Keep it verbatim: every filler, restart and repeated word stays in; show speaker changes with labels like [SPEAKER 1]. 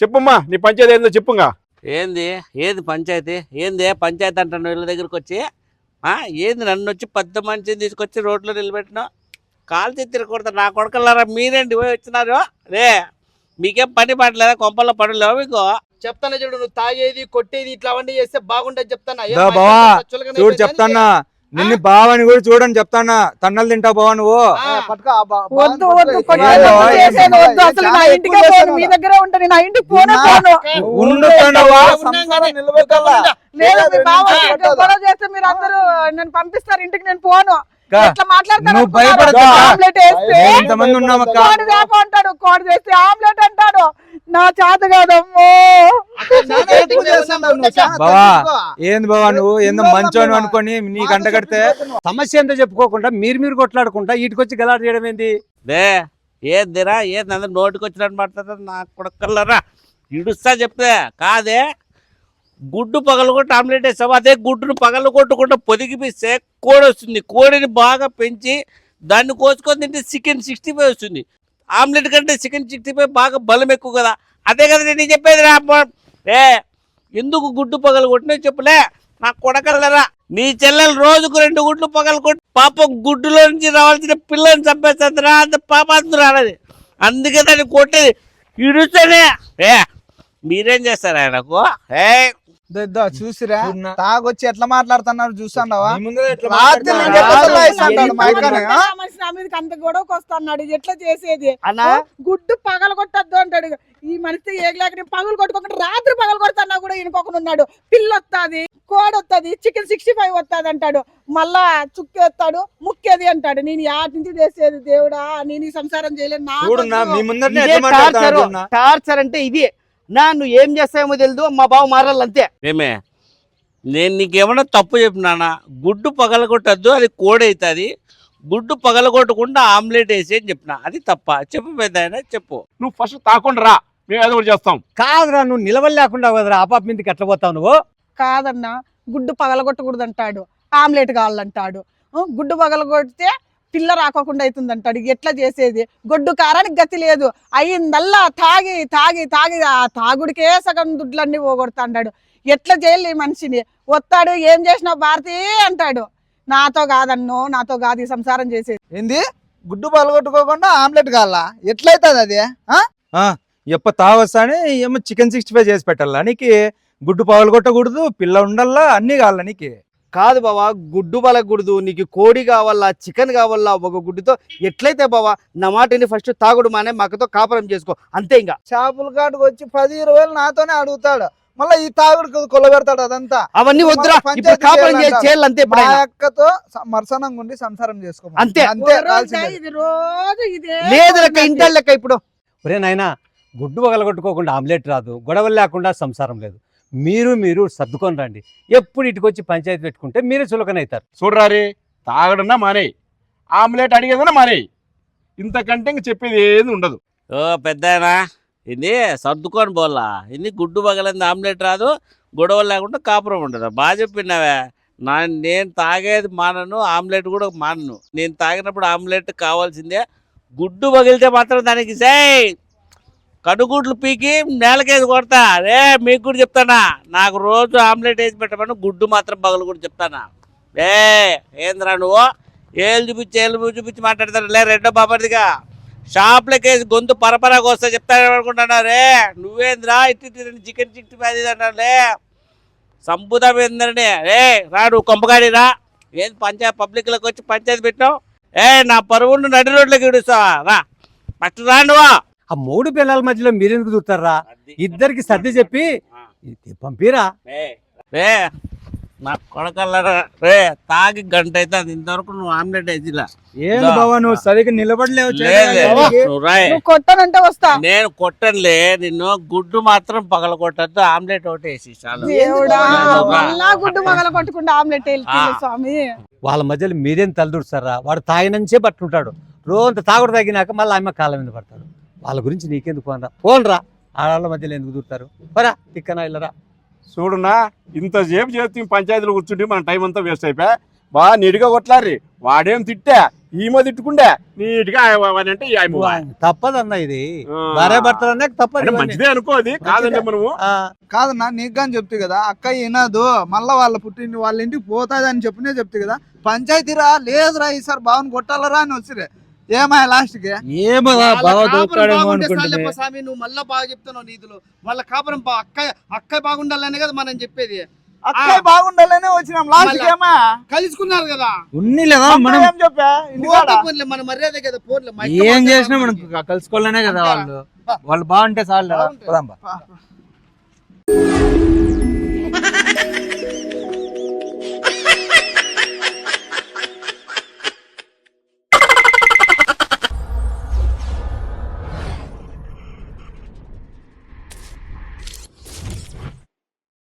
[SPEAKER 1] చెప్పుమ్మా నీ పంచాయతీ ఏందో చెప్పుగా.
[SPEAKER 2] ఏంది ఏది పంచాయతీ ఏంది పంచాయతీ అంటాను వీళ్ళ దగ్గరికి వచ్చి ఏంది నన్ను వచ్చి పెద్ద మనిషిని తీసుకొచ్చి రోడ్లో నిలబెట్టినా కాలు తిరగకూడదు నా కొడుకులారా మీరేంటి పోయి వచ్చినారు రే మీకేం పని పడలేదా కొంపల్లో పడలేవు మీకు
[SPEAKER 3] చెప్తాను చూడు నువ్వు తాగేది కొట్టేది ఇట్లా అవన్నీ చేస్తే బాగుండదు చెప్తానా
[SPEAKER 4] చూడు చెప్తానా నిన్ను బావని కూడా చూడని చెప్తానా తన్నలు తింటావు బావా నువ్వు
[SPEAKER 5] వద్దు వద్దు చేసేది వద్దు అసలు నా ఇంటికే పోను మీ దగ్గరే ఉంటాను నా ఇంటికి పోను పోను
[SPEAKER 4] ఉండుతానవా
[SPEAKER 5] లేదు మీ బావ గొడవ చేస్తే మీరు అందరూ నేను పంపిస్తారు ఇంటికి నేను పోను ఎట్లా మాట్లాడతాను ఆమ్లెట్ వేస్తే
[SPEAKER 4] ఎంతమంది ఉన్నామక్క
[SPEAKER 5] కోడి వేప అంటాడు కోడి వేస్తే ఆమ్లెట్ అంటాడు నా చేత కాదమ్మో
[SPEAKER 4] బావా ఏంది బావా నువ్వు ఏందో మంచోను అనుకొని నీకు అంట కడితే
[SPEAKER 6] సమస్య ఏందో చెప్పుకోకుండా మీరు మీరు కొట్లాడుకుంటా వీటికొచ్చి గలాట చేయడం ఏంది
[SPEAKER 2] దే ఏదిరా ఏది అందరు నోటికి వచ్చినట్టు మాట్లాడుతుంది నా కొడుకల్లరా ఇడుస్తా చెప్తే కాదే గుడ్డు పగలు కొట్టి ఆమ్లెట్ వేస్తావు అదే గుడ్డును పగలు కొట్టుకుంటూ పొదిగిపిస్తే కోడి వస్తుంది కోడిని బాగా పెంచి దాన్ని కోసుకొని తింటే చికెన్ సిక్స్టీ ఫైవ్ వస్తుంది ఆమ్లెట్ కంటే చికెన్ సిక్స్టీ ఫైవ్ బాగా బలం ఎక్కువ కదా అదే కదా నేను చెప్పేది రా ఏ ఎందుకు గుడ్డు పగలు కొట్టినా చెప్పులే నా కొడకల్లరా నీ చెల్లెలు రోజుకు రెండు గుడ్లు పగలు కొట్టి పాప గుడ్డులో నుంచి రావాల్సిన పిల్లని చంపేస్తుందిరా అంత పాపాత్తురా అన్నది అందుకే దాన్ని కొట్టేది ఇడుస్తేనే ఏ మీరేం చేస్తారు ఆయనకు ఏ
[SPEAKER 3] చూసిరా తాగొచ్చి ఎట్లా మాట్లాడుతున్నారు చూసాండవా
[SPEAKER 5] అంత గొడవకు వస్తున్నాడు ఎట్లా చేసేది గుడ్డు పగలు కొట్టద్దు అంటాడు ఈ మనిషి ఏగలేక పగలు కొట్టుకోకుండా రాత్రి పగలు కొడుతున్నా కూడా ఈయనకొకడు ఉన్నాడు పిల్ల వస్తుంది కోడి వస్తుంది చికెన్ సిక్స్టీ ఫైవ్ వస్తుంది అంటాడు మళ్ళా చుక్కేస్తాడు ముక్కేది అంటాడు నేను యాటి నుంచి చేసేది దేవుడా నేను ఈ సంసారం చేయలేను
[SPEAKER 3] టార్చర్ అంటే ఇది నా నువ్వు ఏం చేస్తావేమో తెలియదు మా బావ మారాలంతే
[SPEAKER 2] ఏమే నేను నీకేమన్నా తప్పు చెప్పినానా గుడ్డు పగలగొట్టద్దు అది కోడి అవుతుంది గుడ్డు పగలగొట్టకుండా ఆమ్లెట్ వేసి అని చెప్పిన అది తప్ప చెప్పు పెద్ద ఆయన చెప్పు
[SPEAKER 1] నువ్వు ఫస్ట్ తాకుండా రా మేము ఏదో ఒకటి చేస్తాం
[SPEAKER 6] కాదురా నువ్వు నిలవలు లేకుండా కదరా ఆ పాప మీదకి ఎట్లా పోతావు నువ్వు
[SPEAKER 5] కాదన్నా గుడ్డు పగలగొట్టకూడదు అంటాడు ఆమ్లెట్ కావాలంటాడు గుడ్డు పగలగొడితే పిల్ల రాకోకుండా అవుతుంది అంటాడు ఎట్లా చేసేది గొడ్డు కారానికి గతి లేదు అయ్యిందల్లా తాగి తాగి తాగి ఆ తాగుడికే సగం దుడ్లన్నీ పోగొడతాడు ఎట్లా చేయాలి ఈ మనిషిని వస్తాడు ఏం చేసినావు భారతి అంటాడు నాతో కాదన్నో నాతో కాదు ఈ సంసారం చేసేది
[SPEAKER 3] ఏంది గుడ్డు పగలగొట్టుకోకుండా ఆమ్లెట్ కావాలా ఎట్లయితుంది అది
[SPEAKER 4] ఎప్ప తావస్తానే ఏమో చికెన్ సిక్స్టీ ఫైవ్ చేసి పెట్టాలా నీకు గుడ్డు పగలు కొట్టకూడదు పిల్ల ఉండల్లా అన్ని కావాలా నీకు
[SPEAKER 3] కాదు బావా గుడ్డు పలకూడదు నీకు కోడి కావాలా చికెన్ కావాలా ఒక గుడ్డుతో ఎట్లయితే బావా నా మాటని ఫస్ట్ తాగుడు మానే మాకతో కాపురం చేసుకో అంతే ఇంకా చేపల కాటుకు వచ్చి పది ఇరవై వేలు నాతోనే అడుగుతాడు మళ్ళీ ఈ తాగుడు కొల్లబెడతాడు అదంతా అవన్నీ వద్దురా ఇప్పుడు కాపురం చేయాలి అంతే ఇప్పుడు అక్కతో మర్సనంగా ఉండి సంసారం చేసుకో అంతే అంతే లేదు లెక్క ఇంటి లెక్క ఇప్పుడు
[SPEAKER 6] ఒరే నాయనా గుడ్డు పగలగొట్టుకోకుండా ఆమ్లెట్ రాదు గొడవలు లేకుండా సంసారం లేదు మీరు మీరు సర్దుకొని రండి ఎప్పుడు ఇటుకొచ్చి పంచాయతీ పెట్టుకుంటే మీరే చులకనవుతారు
[SPEAKER 1] చూడరారే తాగడన్నా మానే ఆమ్లెట్ అడిగేదన్నా మానే ఇంతకంటే ఇంక చెప్పేది ఏది ఉండదు
[SPEAKER 2] ఓ పెద్దనా ఇది సర్దుకొని పోలా ఇది గుడ్డు పగలంది ఆమ్లెట్ రాదు గొడవలు లేకుండా కాపురం ఉండదు బాగా చెప్పినావే నా నేను తాగేది మానను ఆమ్లెట్ కూడా మానను నేను తాగినప్పుడు ఆమ్లెట్ కావాల్సిందే గుడ్డు పగిలితే మాత్రం దానికి సే కడుగుడ్లు పీకి నేలకేసి కొడతా రే మీకు కూడా చెప్తానా నాకు రోజు ఆమ్లెట్ వేసి పెట్టమని గుడ్డు మాత్రం పగలు కూడా చెప్తానా ఏ ఏంద్రా నువ్వు ఏళ్ళు చూపించి ఏళ్ళు చూపించి మాట్లాడతారు లే రెండో బాబర్దిగా షాప్లోకి వేసి గొంతు పరపరాకు వస్తా చెప్తాను అనుకుంటున్నా రే నువ్వేంద్రా ఇట్టి చికెన్ చిక్కి అది అంటారు లే సంపుతం ఏందండి రే రా నువ్వు కొంపగాడి రా ఏంది పంచాయతీ పబ్లిక్లోకి వచ్చి పంచాయతీ పెట్టావు ఏ నా పరువును నడి రోడ్లోకి ఇడుస్తావా రా ఫస్ట్ రా నువ్వు
[SPEAKER 6] ఆ మూడు పిల్లల మధ్యలో మీరెందుకు దూతారా ఇద్దరికి సర్ది చెప్పి పంపిరా
[SPEAKER 2] రే నా కొడకల్లరా రే తాగి గంట అయితే అది ఇంతవరకు నువ్వు ఆమ్లెట్ వేసిలా
[SPEAKER 4] ఏంది బావా నువ్వు సరిగ్గా నిలబడలేవు
[SPEAKER 5] కొట్టనంటే వస్తా
[SPEAKER 2] నేను కొట్టనులే నిన్ను గుడ్డు మాత్రం పగల కొట్టద్దు ఆమ్లెట్ ఒకటి వేసి
[SPEAKER 5] గుడ్డు పగల కొట్టకుండా ఆమ్లెట్ స్వామి
[SPEAKER 6] వాళ్ళ మధ్యలో మీరేం తలదూరుస్తారా వాడు తాగినంచే పట్టుంటాడు రోజంత తాగుడు తాగినాక మళ్ళీ ఆమె కాళ్ళ మీద పడతాడు వాళ్ళ గురించి నీకెందుకు పోనరా పోనరా ఆడవాళ్ళ మధ్యలో ఎందుకు దూరుతారు పరా తిక్కనా ఇల్లరా
[SPEAKER 1] చూడున్నా ఇంతసేపు చేస్తే పంచాయతీలో కూర్చుంటే మన టైం అంతా వేస్ట్ అయిపోయా బాగా నీట్గా కొట్లారి వాడేం తిట్టా ఈమె తిట్టుకుండే నీట్గా అంటే ఈ ఆయమ్మ.
[SPEAKER 6] తప్పదన్న ఇది
[SPEAKER 1] ఆ.
[SPEAKER 6] భార్య భర్తలు అన్నాక తప్పదు
[SPEAKER 1] అంటే
[SPEAKER 6] ఇవన్నీ.
[SPEAKER 1] మంచిదే అనుకోది కాదండి మనము.
[SPEAKER 6] ఆ,
[SPEAKER 3] కాదన్నా నీకు కానీ చెప్తే కదా అక్క వినదు మళ్ళా వాళ్ళ పుట్టింటి వాళ్ళ ఇంటికి పోతాది అని చెప్పినే చెప్తే కదా పంచాయతీరా లేదురా ఈసారి బావని కొట్టాలరా అని వచ్చిరే ఏమాయ లాస్ట్ కి
[SPEAKER 4] ఏమో
[SPEAKER 3] వాళ్ళ
[SPEAKER 4] బాగా
[SPEAKER 3] కాపురం
[SPEAKER 4] దొరుకుతాడేమో
[SPEAKER 3] బాగుంటే
[SPEAKER 4] అనుకుంటుంది
[SPEAKER 3] చాలేపా స్వామి, నువ్వు మళ్ళా బాగా చెప్తున్నావు నీతులు. వాళ్ళ కాపురం బా- అక్క అక్క బాగుండాలనే కదా మనం చెప్పేది. అక్క బాగుండాలనే వచ్చినాం లాస్ట్ ఏమా కలుసుకున్నారు కదా
[SPEAKER 4] ఉన్ని లేదా మనం
[SPEAKER 3] ఏం చెప్పా పోతే పోన్లే, మన మర్యాద కదా పోన్లే, మా ఇక్క
[SPEAKER 4] ఏం
[SPEAKER 3] పోతే
[SPEAKER 4] చేసినా మనం
[SPEAKER 3] బాగుంటుంది.
[SPEAKER 4] కలుసుకోవాలనే కదా
[SPEAKER 3] అంతే.
[SPEAKER 4] వాళ్ళు వాళ్ళు బాగుంటే చాలు
[SPEAKER 3] బాగుంటే.
[SPEAKER 4] పోదాం బా.
[SPEAKER 3] పా, పా.